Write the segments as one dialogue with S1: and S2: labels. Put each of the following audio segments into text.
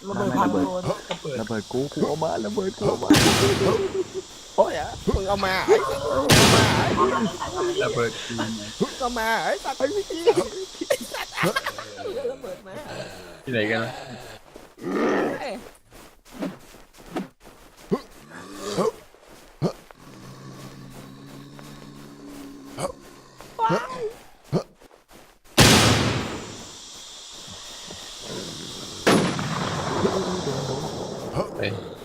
S1: ระเบิดพังโดน
S2: ระเบิดกูเอามาระเบิดกูเอามา
S3: โอ้ยอ่ะมึงเอามา
S4: ระเบิดกู
S3: เอามาไอ้สัตว์ไอ้พี่ไอ้สัตว์ระเบิดมา
S4: ที่ไหนกันนะ ไป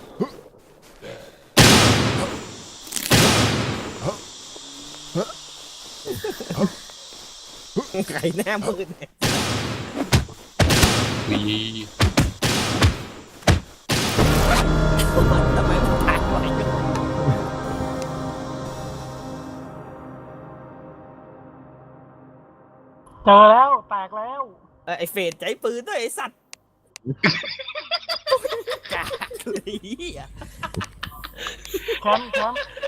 S3: ไก่หน้ามืดเนี่ย
S4: วี
S3: ทำไมมันถ่ายไว้อยู่
S1: เจอแล้วแตกแล้ว
S3: ไอ้เฟดใจปืนด้วยไอ้สัตว์กาลีอ่ะ
S1: แคมป์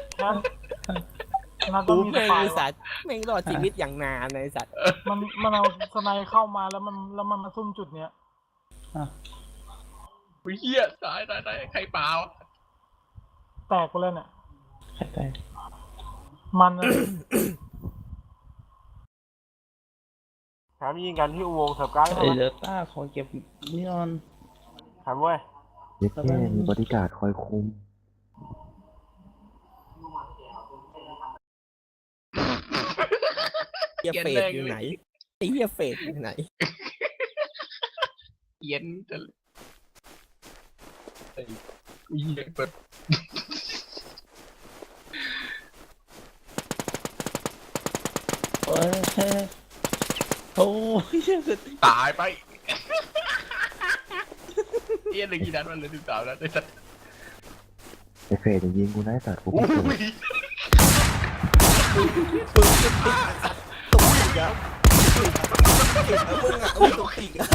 S1: น่าจะ
S3: กู
S1: มีส
S3: แม่ง
S1: ปาย
S3: ไอ้สัตว์แม่งรอดชีวิตอย่างนานไอ้สัตว์
S1: มันเอาสไนเข้ามาแล้วมันมาซุ่มจุดเนี้ย
S4: อุ้ยเหี้ยตายใครเปล่า
S1: แตกไปเลยเนี่ย
S5: ใครไป
S1: มันนะ
S6: แถมยิงกันที่อุโมงค์เสิร์ฟการ์ด
S5: ไอ้เดลต้าขอเก็บนี่ก่อน
S6: แถมเว้ย
S2: เย็ดแค่มีบริการคอยคุม
S3: เฮียเฟดอยู่ไหนไอ้เฮียเฟดอยู่ไหน
S4: เย็นจะไอ้กูเหี้ยเปิด
S5: โอ้ยโอ้ยเกิด
S4: ตายไปเหี้ยเหลยกี่นัดมันเหลย13นัดไอ้สัส
S2: ไอเฟยจะยิงกูได้แต่กู
S4: อุ้
S2: ไม่เจอย
S3: ปืนติดตัวอีกแล้วติดแล้วมึงอ่ะอุ้ยตัวอีกอ่ะ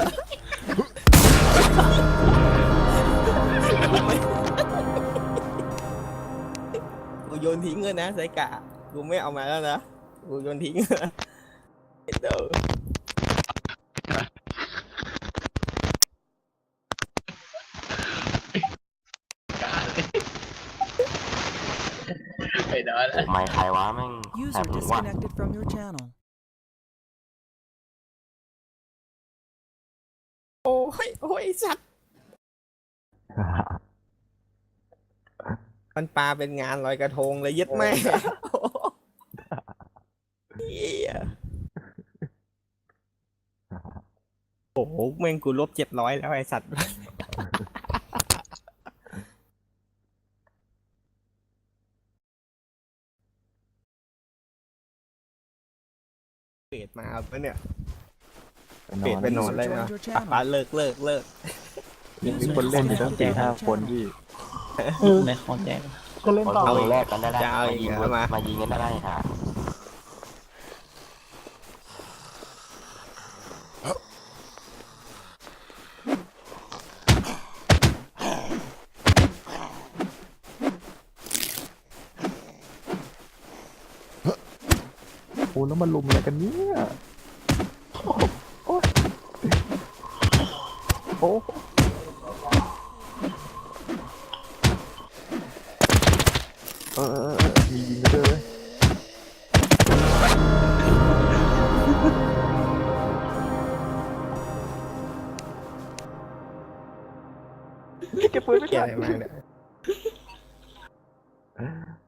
S3: กูโยนทิ้งเลยนะไซกะกูไม่เอามาแล้วนะกูโยนทิ้งนะเดี๋ยว
S4: ไอ้นอน
S2: ไม่ใครวะแม่ง
S7: User disconnected from your channel.
S3: โอ้ยโอ้ยสัตว์มันปลาเป็นงานลอยกระทงเลยยึดแม่เหี้ยโอ้โหแม่งกูลบ700แล้วไอ้สัตว์เปรตมาเอาปะเนี่ยเปรตไปนอนเลยนะปลาเลิก
S2: มีคนเล่นอยู่ตั้ง4-5 คนที่
S5: ในของแจก
S1: ก็เล่นต่อ
S3: เอา
S1: เล
S3: อี
S1: ย
S3: กแรกกันได้จะเอาอีกแล้วมายิงกันได้ค่ะ
S2: โอ้แล้วมันลุมอะไรกันเนี่ยโอ้โอ้มียิงกันด้วยเก็บปืนไม่
S3: เกี่ย
S2: ทั
S3: อะไร
S2: น
S3: มาเนี่ย